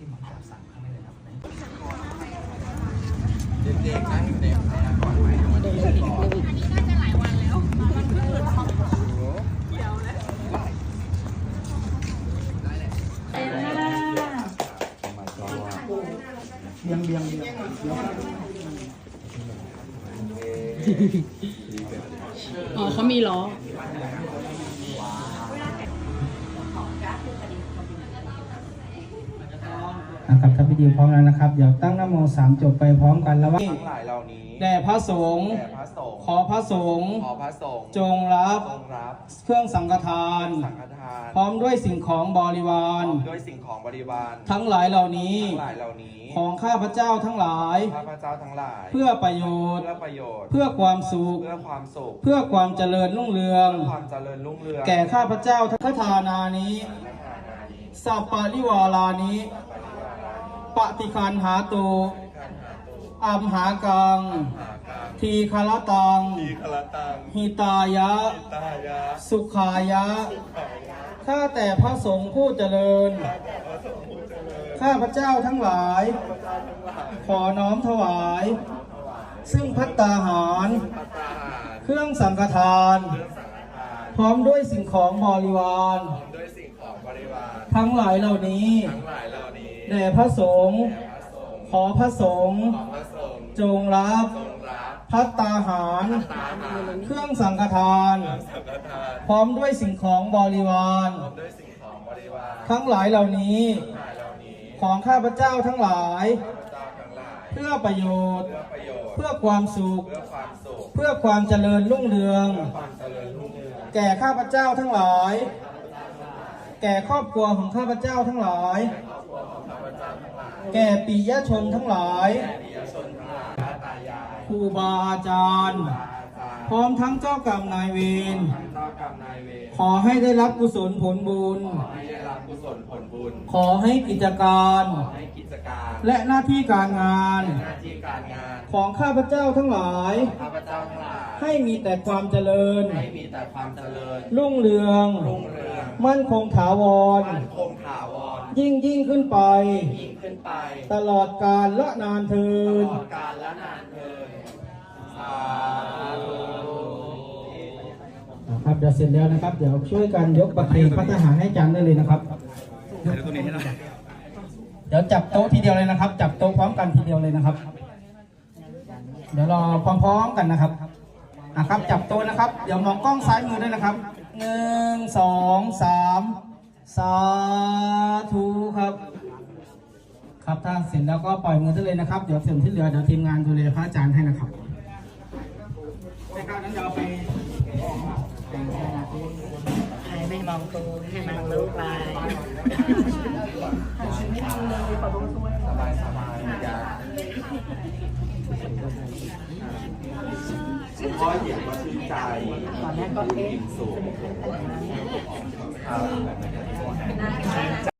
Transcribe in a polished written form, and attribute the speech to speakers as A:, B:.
A: ที่หมอจับสั่งข้างในเลยครับ
B: เด็กๆนั่งอยู่ในก่อน
C: เดินเลยอีกเลยอีกอันนี้น่าจะหลายวันแล้วมันเพิ่งหลุดออกเดี๋ยวเลย
A: เบียงเบียงเบียง
C: อ๋อเขามีล้อ
A: นะครับถ้าพิธีพร้อมแล้วนะครับเดี๋ยวตั้งนะโม3จบไปพร้อมกันแล้วว่า
B: ทั้งหลายเหล่านี้
A: แด่พระสงฆ์ขอพระสงฆ์จงรับเครื่องสังฆทานพร้อมด้วยสิ่งของบริวารทั้งหลายเหล่านี้ของข้าพเจ้าทั้งหลายเพื่อประโยชน์เพื่อความสุขเพื่อความเจริญรุ่งเรืองแก่ข้าพเจ้าทั้งทานานี้สัพปะริวารานี้ปฏิคันหาตุอัมหากังทีคลตังหิตายะสุขายะข้าแต่พระสงฆ์ผู้เจริญข้าพเจ้าทั้งหลายขอน้อมถวายซึ่งภัตตาหารเครื่องสังฆทานพร้อมด้วยสิ่งของบริวารทั้งหลายเหล่านี้แด่พระสงฆ์ขอพระสงฆ์จงรับภัตตาหารเครื่องสังฆทานพร้อมด้วยสิ่งของบริวารทั้งหลายเหล่านี้ของข้าพเจ้าทั้งหลายเพื่อประโยชน์เพื่อความสุขเพื่อความเจริญรุ่งเรืองแก่ข้าพเจ้าทั้งหลายแก่ครอบครัวของข้าพเจ้าทั้งหลายแก่ปิยชนทั้งหลายครูบาอาจารย์พร้อมทั้งเจ้ากรรมนายเวรขอให้ได้รับกุศลผลบุญขอให้กิจการและหน้าที่การงานของข้าพเจ้าทั้งหลายให้มีแต่ความเจริญรุ่งเรืองมั่นคงถาวรยิ่งขึ้นไปตลอดกาลละนานเทินครับเดี๋ยวเสร็จแล้วนะครับเดี๋ยวช่วยกันยกประเคนพัฒหารให้จันได้เลยนะครับเดี๋ยวจับโต๊ะทีเดียวเลยนะครับจับโต๊ะพร้อมกันทีเดียวเลยนะครับเดี๋ยวรอพร้อมๆกันนะครับจับโต๊ะนะครับเดี๋ยวมองกล้องซ้ายมือด้วยนะครับ1 2 3สาธุครับถ้าเสร็จแล้วก็ปล่อยมือได้เลยนะครับเดี๋ยวส่วนที่เหลือเดี๋ยวทีมงานดูแลพระอาจารย์ให้นะครับในการนั้นเราไป
C: ให้ไม่มองครูให้มองลูกไป
B: สบายพ่อเห็นว่าชื่นใจ
C: ตอนแรกก็
B: สูง